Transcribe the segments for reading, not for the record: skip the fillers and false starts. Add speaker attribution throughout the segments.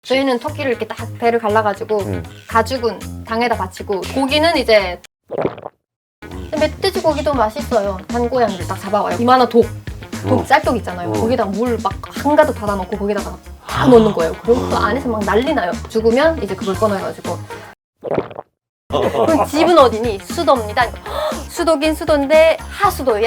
Speaker 1: 저희는 토끼를 이렇게 딱 배를 갈라가지고 가죽은 당에다 바치고 고기는 이제 멧돼지 고기도 맛있어요. 단고양이를 딱 잡아와요. 이만한 독 짤독 있잖아요. 거기다 물 막 한가득 받아놓고 거기다가 다 넣는 거예요. 그럼 그 안에서 막 난리 나요. 죽으면 이제 그걸 꺼내가지고 그럼 집은 어디니? 수도입니다. 수도긴 수도인데 하수도야.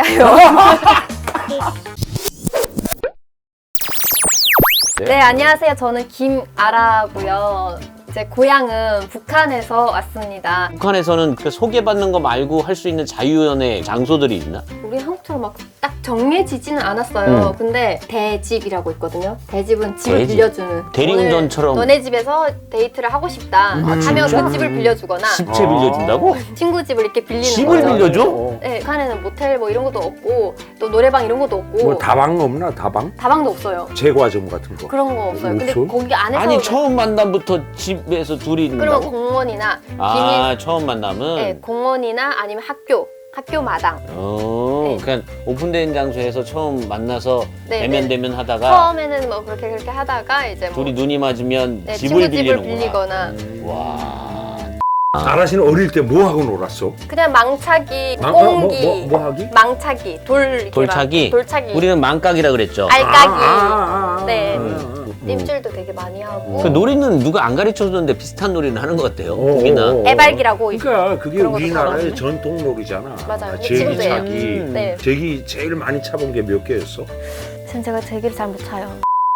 Speaker 1: 네, 안녕하세요. 저는 김아라고요. 제 고향은 북한에서 왔습니다.
Speaker 2: 북한에서는 그 소개받는 거 말고 할 수 있는 자유연애 장소들이 있나?
Speaker 1: 우리 한국처럼 막 딱 정해지지는 않았어요. 근데 대집이라고 있거든요. 대집은 집을
Speaker 2: 대집?
Speaker 1: 빌려주는.
Speaker 2: 대리운전처럼.
Speaker 1: 오늘 너네 집에서 데이트를 하고 싶다 하면
Speaker 2: 진짜?
Speaker 1: 그 집을 빌려주거나
Speaker 2: 집채 빌려준다고?
Speaker 1: 친구 집을 이렇게 빌리는
Speaker 2: 집을
Speaker 1: 거죠.
Speaker 2: 빌려줘?
Speaker 1: 네, 북한에는 모텔 뭐 이런 것도 없고 또 노래방 이런 것도 없고
Speaker 3: 뭐 다방 없나? 다방?
Speaker 1: 다방도 없어요.
Speaker 3: 제과점 같은 거.
Speaker 1: 그런 거 없어요. 근데
Speaker 3: 없어요?
Speaker 1: 거기 안에서
Speaker 2: 아니 처음 만남부터 집에서 둘이
Speaker 1: 그러면
Speaker 2: 있는다고?
Speaker 1: 공원이나
Speaker 2: 아 처음 만남은?
Speaker 1: 네, 공원이나 아니면 학교 마당. 네.
Speaker 2: 그냥 오픈된 장소에서 처음 만나서
Speaker 1: 네,
Speaker 2: 대면대면 하다가
Speaker 1: 처음에는 뭐 그렇게 하다가 이제 뭐
Speaker 2: 둘이 눈이 맞으면
Speaker 1: 네,
Speaker 2: 집을
Speaker 1: 친구 집을
Speaker 2: 빌리는구나.
Speaker 1: 빌리거나
Speaker 2: 와.
Speaker 3: 아라씨는 어릴 때 뭐 하고 놀았어?
Speaker 1: 그냥 망차기,
Speaker 3: 뭐,
Speaker 1: 꽁기,
Speaker 3: 뭐 하기?
Speaker 1: 망차기, 돌
Speaker 2: 돌차기?
Speaker 1: 돌차기,
Speaker 2: 우리는 망각이라 그랬죠.
Speaker 1: 알까기. 네.
Speaker 3: 음.
Speaker 1: 림줄도 되게 많이 하고
Speaker 2: 그 놀이는 누가 안 가르쳐줬는데 비슷한 놀이는 하는 것 같아요.
Speaker 3: 어,
Speaker 2: 거기나.
Speaker 3: 어, 어.
Speaker 1: 애발기라고 있-
Speaker 3: 그러니까 그게
Speaker 1: 그런 것도
Speaker 3: 우리나라의
Speaker 1: 가봤네.
Speaker 3: 전통 놀이잖아.
Speaker 1: 맞아요.
Speaker 3: 제기
Speaker 1: 지금도 해요.
Speaker 3: 차기.
Speaker 1: 네.
Speaker 3: 제기 제일 많이 차본 게 몇 개였어?
Speaker 1: 지금 제가 제기를 잘 못 차요.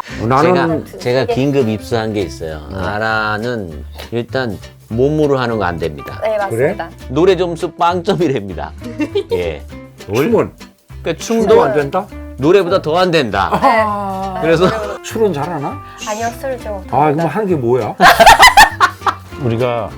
Speaker 2: 제가 긴급 입수한 게 있어요. 아라는 일단 몸으로 하는 거 안 됩니다.
Speaker 1: 네, 맞습니다.
Speaker 2: 노래 점수 빵점이랍니다. 예.
Speaker 3: 춤은?
Speaker 2: 그러니까
Speaker 3: 춤도
Speaker 2: 춤도
Speaker 3: 안 된다?
Speaker 2: 노래보다 더 안 된다.
Speaker 3: 아,
Speaker 2: 그래서
Speaker 3: 술은 잘하나?
Speaker 1: 아니요, 술 좀.
Speaker 3: 아, 그럼 하는 게 뭐야?
Speaker 4: 우리가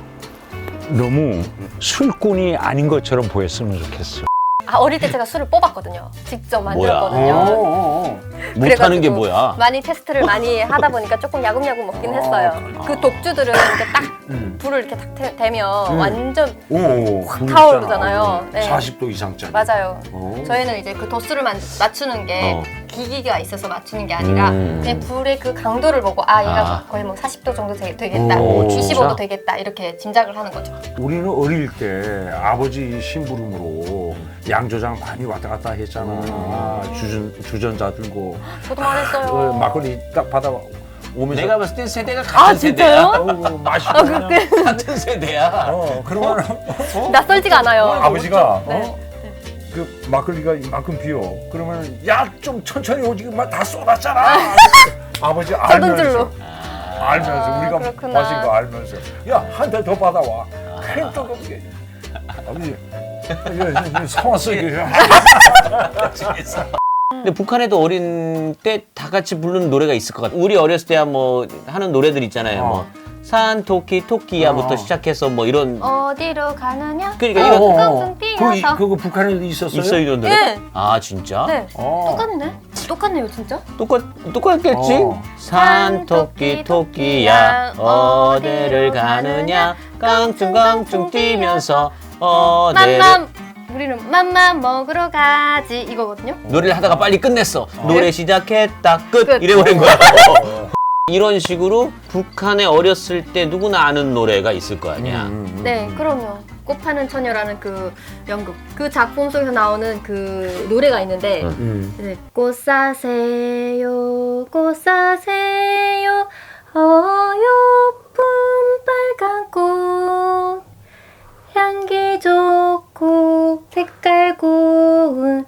Speaker 4: 너무 술꾼이 아닌 것처럼 보였으면 좋겠어.
Speaker 1: 아, 어릴 때 제가 술을 뽑았거든요. 직접
Speaker 2: 뭐야?
Speaker 1: 만들었거든요.
Speaker 2: 못하는 게
Speaker 1: 그래가지고
Speaker 2: 뭐야?
Speaker 1: 많이 테스트를 많이 하다 보니까 조금 야금야금 먹긴 했어요. 그 독주들은 이렇게 딱 불을 이렇게 딱 대면 완전
Speaker 3: 오,
Speaker 1: 확 타오르잖아요. 네.
Speaker 3: 40도 이상짜리.
Speaker 1: 맞아요.
Speaker 3: 어.
Speaker 1: 저희는 이제 그 도수를 맞추는 게 기기가 있어서 맞추는 게 아니라 그냥 불의 그 강도를 보고 아 얘가 거의 뭐 40도 정도 되겠다,
Speaker 2: 오,
Speaker 1: 25도
Speaker 2: 진짜?
Speaker 1: 되겠다 이렇게 짐작을 하는 거죠.
Speaker 3: 우리는 어릴 때 아버지 심부름으로 양조장 많이 왔다 갔다 했잖아. 주전자 들고
Speaker 1: 저도 말했어요.
Speaker 3: 막걸리 딱 받아 오면서
Speaker 2: 내가 봤을 때 세대가 같은 세대야.
Speaker 3: 맛있고 그냥
Speaker 2: 같은 세대야.
Speaker 3: 그러면
Speaker 1: 낯설지가 않아요.
Speaker 3: 아버지가
Speaker 1: 네.
Speaker 3: 그 막걸리가 이만큼 비어 그러면 야 좀 천천히 오지 다 쏟았잖아. 아버지
Speaker 1: 쏟은 줄로.
Speaker 3: 알면서 우리가
Speaker 1: 그렇구나.
Speaker 3: 마신 거 알면서 야 한 대 더 받아와. 큰 뜨겁게. 아버지 사왔어 이게.
Speaker 2: 근데 북한에도 어린 때 다 같이 부르는 노래가 있을 것 같아. 우리 어렸을 때야 뭐 하는 노래들 있잖아요. 뭐 산 토끼 토끼야부터 시작해서 뭐 이런
Speaker 1: 어디로 가느냐?
Speaker 2: 그러니까 이거
Speaker 1: 깡깡 뛰어서.
Speaker 3: 그거 북한에도 있었어요?
Speaker 2: 있어 이런 노래?
Speaker 1: 네.
Speaker 2: 아 진짜?
Speaker 1: 네.
Speaker 3: 어.
Speaker 1: 똑같네. 똑같네요, 진짜.
Speaker 2: 똑같겠지?
Speaker 3: 어.
Speaker 2: 산 토끼 토끼야 어디를 가느냐 깡충깡충 뛰면서 어디를
Speaker 1: 맘맘. 우리는 맘맘 먹으러 가지 이거거든요.
Speaker 2: 노래를 하다가 빨리 끝냈어. 노래 시작했다 끝 이래버린 거야. 이런 식으로 북한에 어렸을 때 누구나 아는 노래가 있을 거 아니야.
Speaker 1: 네, 그럼요. 꽃 파는 처녀라는 그 연극. 그 작품 속에서 나오는 그 노래가 있는데 네. 꽃 사세요, 꽃 사세요, 어여쁜 빨간 꽃, 향기 좋고 색깔 고운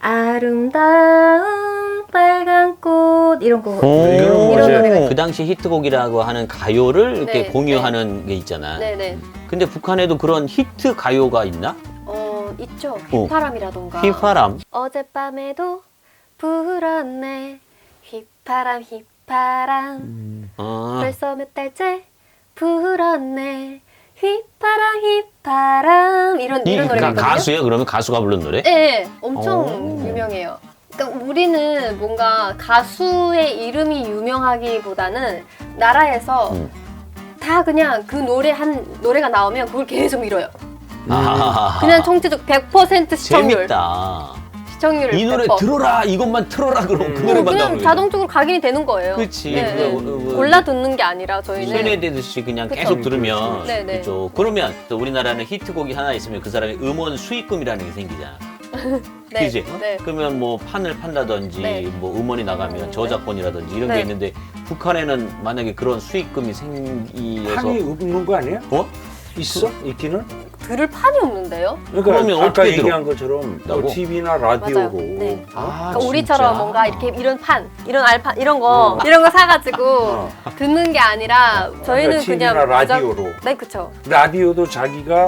Speaker 1: 아름다운 빨간 꽃 이런 거. 이런 노래가 있어요.
Speaker 2: 그 당시 히트곡이라고 하는 가요를 이렇게
Speaker 1: 네,
Speaker 2: 공유하는 게 있잖아.
Speaker 1: 네네.
Speaker 2: 근데 북한에도 그런 히트 가요가 있나?
Speaker 1: 있죠. 휘파람이라던가.
Speaker 2: 휘파람.
Speaker 1: 어젯밤에도 불었네. 휘파람 휘파람. 벌써 몇 달째 불었네. 휘파람 휘파람. 이런 노래가 있거든요.
Speaker 2: 가수예요? 그러면 가수가 부른 노래?
Speaker 1: 네, 엄청 유명해요. 그러니까 우리는 뭔가 가수의 이름이 유명하기보다는 나라에서 다 그냥 그 노래가 나오면 그걸 계속 밀어요.
Speaker 2: 아,
Speaker 1: 그냥 총체적 100% 시청률.
Speaker 2: 재밌다.
Speaker 1: 시청률을
Speaker 2: 이 노래
Speaker 1: 100%.
Speaker 2: 들어라 이것만 틀어라 그럼 그 노래만
Speaker 1: 그냥
Speaker 2: 나오는
Speaker 1: 자동적으로 각인이 되는 거예요.
Speaker 2: 그치.
Speaker 1: 네, 네.
Speaker 2: 그거,
Speaker 1: 골라 듣는 게 아니라 저희는
Speaker 2: 세뇌되듯이 그냥
Speaker 1: 그쵸.
Speaker 2: 계속 들으면
Speaker 1: 네, 네.
Speaker 2: 그죠. 그러면 또 우리나라는 히트곡이 하나 있으면 그 사람이 음원 수익금이라는 게 생기잖아.
Speaker 1: 네,
Speaker 2: 그지?
Speaker 1: 네.
Speaker 2: 그러면 뭐 판을 판다든지
Speaker 1: 네.
Speaker 2: 뭐 음원이 나가면 저작권이라든지 이런
Speaker 1: 네.
Speaker 2: 게 있는데 북한에는 만약에 그런 수익금이 생기해서
Speaker 3: 판이 없는 거 아니야?
Speaker 2: 어?
Speaker 3: 있어? 있기는?
Speaker 1: 들을 판이 없는데요?
Speaker 3: 그러니까
Speaker 2: 그러면
Speaker 3: 아까
Speaker 2: 어떻게
Speaker 3: 얘기한 것처럼
Speaker 2: 나고?
Speaker 3: TV나
Speaker 1: 맞아요.
Speaker 3: 라디오로
Speaker 1: 네.
Speaker 2: 아,
Speaker 1: 그러니까 우리처럼
Speaker 2: 진짜?
Speaker 1: 뭔가 이렇게 이런 판, 이런 알판 이런 거 이런 거 사가지고
Speaker 3: 어.
Speaker 1: 듣는 게 아니라 저희는
Speaker 3: 그러니까
Speaker 1: 그냥
Speaker 3: TV나
Speaker 1: 무작-
Speaker 3: 라디오로.
Speaker 1: 네, 그렇죠.
Speaker 3: 라디오도 자기가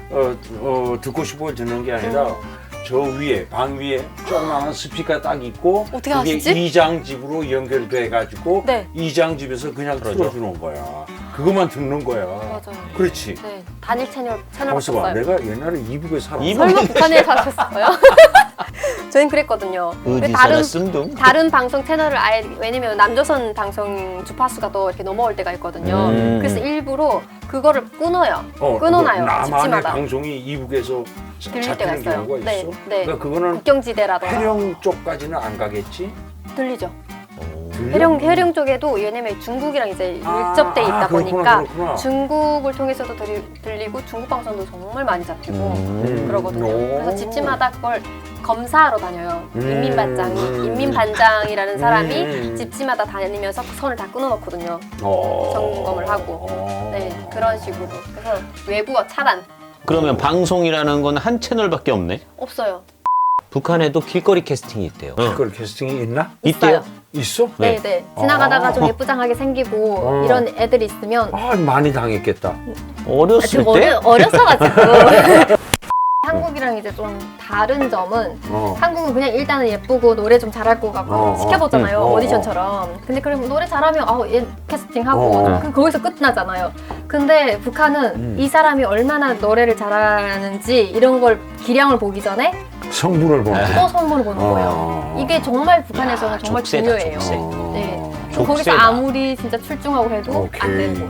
Speaker 3: 듣고 싶어 듣는 게 아니라 저 위에 방 위에 조그마한 스피커 딱 있고
Speaker 1: 어떻게
Speaker 3: 그게
Speaker 1: 아시지?
Speaker 3: 이장집으로 연결돼 가지고
Speaker 1: 네.
Speaker 3: 이장집에서 그냥 틀어주는 거야. 그것만 듣는 거야.
Speaker 1: 맞아요.
Speaker 3: 그렇지.
Speaker 1: 네, 단일 채널
Speaker 3: 가만있어 봐.
Speaker 1: 바꿨어요.
Speaker 3: 내가 옛날에 이북에 살았어.
Speaker 2: 이북-
Speaker 1: 설마 북한에 사셨어요? 저희는 그랬거든요.
Speaker 2: 어디서나 쓴둥?
Speaker 1: 다른 방송 채널을 아예 왜냐면 남조선 방송 주파수가 또 이렇게 넘어올 때가 있거든요. 그래서 일부러 그거를 끊어요. 끊어놔요.
Speaker 3: 남한의
Speaker 1: 집집마다
Speaker 3: 방송이 이북에서
Speaker 1: 들릴 때가
Speaker 3: 잡히는
Speaker 1: 있어요.
Speaker 3: 경우가
Speaker 1: 네,
Speaker 3: 있어.
Speaker 1: 네.
Speaker 3: 그러니까 그거는
Speaker 1: 국경지대라던가
Speaker 3: 해령 쪽까지는 안 가겠지.
Speaker 1: 들리죠.
Speaker 3: 들려?
Speaker 1: 해령 쪽에도 왜냐면 중국이랑 이제
Speaker 3: 아,
Speaker 1: 밀접돼 있다
Speaker 3: 그렇구나,
Speaker 1: 보니까
Speaker 3: 그렇구나.
Speaker 1: 중국을 통해서도 들리고 중국 방송도 정말 많이 잡히고 그러거든요.
Speaker 3: 오.
Speaker 1: 그래서 집집마다 그걸 검사하러 다녀요.
Speaker 3: 음.
Speaker 1: 인민반장이라는 사람이
Speaker 3: 음.
Speaker 1: 집집마다 다니면서 그 선을 다 끊어놓거든요. 점검을 하고. 네, 그런 식으로. 그래서 외부와 차단
Speaker 2: 그러면 방송이라는 건 한 채널밖에 없네?
Speaker 1: 없어요.
Speaker 2: 북한에도 길거리 캐스팅이 있대요.
Speaker 3: 그걸 캐스팅이 있나?
Speaker 2: 있대요?
Speaker 3: 있어?
Speaker 1: 네,
Speaker 2: 네.
Speaker 1: 네. 지나가다가 좀 예쁘장하게 생기고 이런 애들이 있으면
Speaker 3: 아, 많이 당했겠다.
Speaker 2: 어렸을
Speaker 1: 지금
Speaker 2: 때?
Speaker 1: 어렸어가지고 한국이랑 이제 좀 다른 점은
Speaker 3: 어.
Speaker 1: 한국은 그냥 일단은 예쁘고 노래 좀 잘할 것 같고 시켜보잖아요. 오디션처럼. 근데 그럼 노래 잘하면 얘 캐스팅하고 거기서 끝나잖아요. 근데 북한은 이 사람이 얼마나 노래를 잘하는지 이런 걸 기량을 보기 전에
Speaker 3: 성분을 보는
Speaker 1: 또 선물을 보는 거예요. 이게 정말 북한에서는
Speaker 2: 야,
Speaker 1: 정말
Speaker 2: 족쇄다,
Speaker 1: 중요해요.
Speaker 2: 족쇄.
Speaker 1: 네.
Speaker 2: 족쇄다.
Speaker 1: 거기서 아무리 진짜 출중하고 해도
Speaker 3: 오케이.
Speaker 1: 안 되고.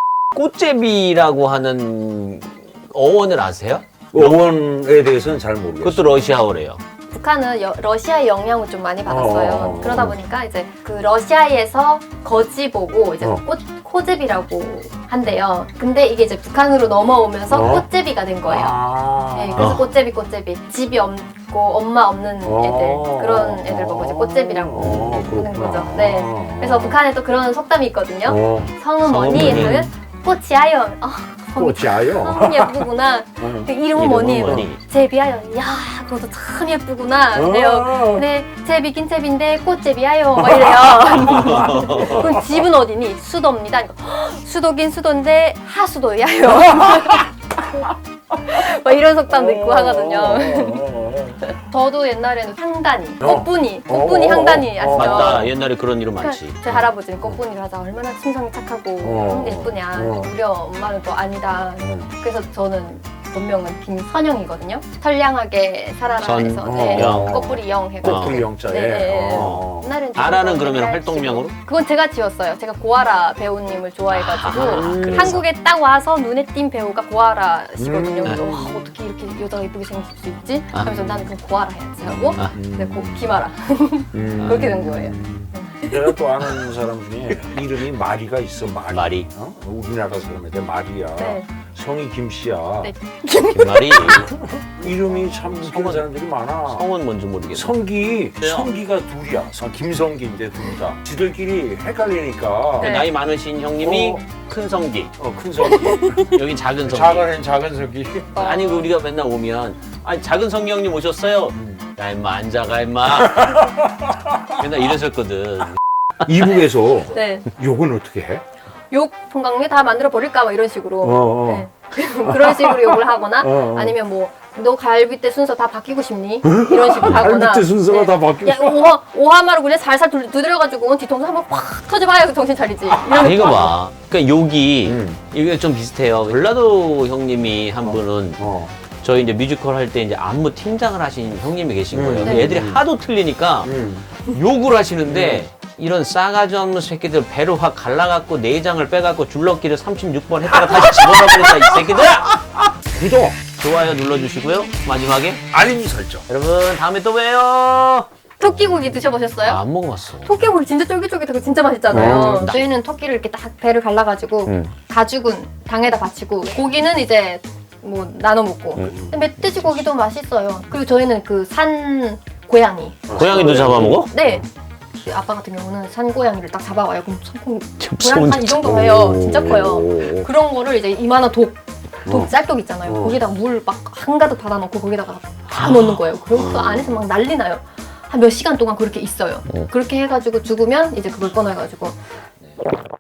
Speaker 2: 꽃제비라고 하는 어원을 아세요?
Speaker 3: 어원에 대해서는 잘 모르겠어.
Speaker 2: 그것도 러시아어래요.
Speaker 1: 북한은 러시아의 영향을 좀 많이 받았어요.
Speaker 3: 어.
Speaker 1: 그러다 보니까 이제 그 러시아에서 거지 보고 이제
Speaker 3: 어.
Speaker 1: 코제비라고 한대요. 근데 이게 이제 북한으로 넘어오면서
Speaker 3: 어.
Speaker 1: 꽃제비가 된 거예요.
Speaker 3: 아.
Speaker 1: 네, 그래서 꽃제비. 집이 없고 엄마 없는 애들 그런 애들 보고 이제 꽃제비라고 하는 거죠. 네. 그래서 북한에 또 그런 속담이 있거든요. 성은 뭐니?
Speaker 2: 성은 뭐니?
Speaker 1: 하면 꽃이야요.
Speaker 3: 꽃이야요.
Speaker 1: 참 예쁘구나. 그 이름은 뭐니? 제비야요. 야, 그것도 참 예쁘구나. 그래요. 근데 제비긴 제비인데 꽃제비야요. 막 이래요. 그럼 집은 어디니? 수도입니다. 수도긴 수도인데 하수도야요. 막 이런 속담도 있고 하거든요. 저도 옛날에는 향단이, 꽃분이 향단이 아시죠?
Speaker 2: 맞다. 옛날에 그런 이름 많지.
Speaker 1: 그러니까 제 할아버지는 꽃분이를 하자 얼마나 심성이 착하고 예쁘냐. 우리 엄마는 또 아니다. 그래서 저는 본명은 김선영이거든요. 선량하게 살아라 해서
Speaker 2: 영.
Speaker 1: 꽃뿌리 영 해가지고.
Speaker 3: 꽃풀 영자에.
Speaker 1: 네.
Speaker 3: 어.
Speaker 1: 옛날엔
Speaker 2: 아라는
Speaker 1: 저도
Speaker 2: 그러면
Speaker 1: 맨날
Speaker 2: 활동명으로?
Speaker 1: 지금- 그건 제가 지었어요. 제가 고아라 배우님을 좋아해가지고
Speaker 2: 그래서.
Speaker 1: 한국에 딱 와서 눈에 틴 배우가 고아라 씨거든요. 그래서
Speaker 2: 음.
Speaker 1: 와, 어떻게 이렇게 여자가 예쁘게 생길 수 있지? 하면서 나는 그럼 고아라 해야지 하고 네, 김아라 그렇게 된 거예요.
Speaker 3: 내가 또 아는 사람 중에 이름이 마리가 있어.
Speaker 2: 마리.
Speaker 3: 우리나라 사람인데 마리야.
Speaker 1: 네.
Speaker 3: 성이 김씨야.
Speaker 1: 네.
Speaker 2: 김말이
Speaker 3: 이름이 참 웃기는 사람들이 많아.
Speaker 2: 성은 뭔지 모르겠어.
Speaker 3: 성기가 둘이야. 김성기인데 둘 다. 지들끼리 헷갈리니까.
Speaker 1: 네.
Speaker 2: 나이 많으신 형님이 큰 성기,
Speaker 3: 큰 성기.
Speaker 2: 여기 작은 성기.
Speaker 3: 작은 성기.
Speaker 2: 아니 우리가 맨날 오면 아니 작은 성기 형님 오셨어요. 야 임마 앉아가 임마. 맨날 이랬었거든.
Speaker 3: 이북에서
Speaker 1: 네.
Speaker 3: 욕은 어떻게 해?
Speaker 1: 욕 fon강에 다 만들어 버릴까 막 이런 식으로 네. 그런 식으로 욕을 하거나 아니면 뭐 너 갈비뼈 순서 다 바뀌고 싶니? 이런 식으로 하거나
Speaker 3: 갈비뼈 순서가 다 바뀌고
Speaker 1: 야 오하마로 그냥 살살 두드려가지고 뒤통수 한번 확 터져봐야 정신 차리지 이런
Speaker 2: 이거 봐. 그러니까 욕이 이게 좀 비슷해요.
Speaker 3: 네.
Speaker 2: 전라도 형님이 한 분은
Speaker 3: 어.
Speaker 2: 저희 이제 뮤지컬 할 때 이제 안무 팀장을 하신 형님이 계신 거예요. 근데
Speaker 1: 네.
Speaker 2: 애들이 하도 틀리니까 욕을 하시는데 이런 싸가지 없는 새끼들 배로 확 갈라갖고 내장을 빼갖고 줄넘기를 36번 했다가 다시 집어넣어버린다 이 새끼들!
Speaker 3: 구독!
Speaker 2: 좋아요 눌러주시고요. 마지막에
Speaker 3: 알림 설정.
Speaker 2: 여러분 다음에 또 봬요.
Speaker 1: 토끼고기 드셔보셨어요?
Speaker 2: 안 먹어봤어.
Speaker 1: 토끼고기 진짜 쫄깃쫄깃하고 진짜 맛있잖아요. 저희는 토끼를 이렇게 딱 배를 갈라가지고 가죽은 당에다 받치고 고기는 이제 뭐 나눠 먹고. 근데 멧돼지 고기도 맛있어요. 그리고 저희는 그 산 고양이.
Speaker 2: 고양이도 잡아먹어?
Speaker 1: 네. 그 아빠 같은 경우는 산 고양이를 딱 잡아와요. 그럼 고양이
Speaker 2: 무서운
Speaker 1: 한 이 정도 해요. 진짜 커요.
Speaker 2: 오.
Speaker 1: 그런 거를 이제 이만한 쌀독 있잖아요. 거기다가 물 막 한가득 받아놓고 거기다가 다 넣는 거예요. 그럼 그 안에서 막 난리 나요. 한 몇 시간 동안 그렇게 있어요. 그렇게 해가지고 죽으면 이제 그걸 꺼내가지고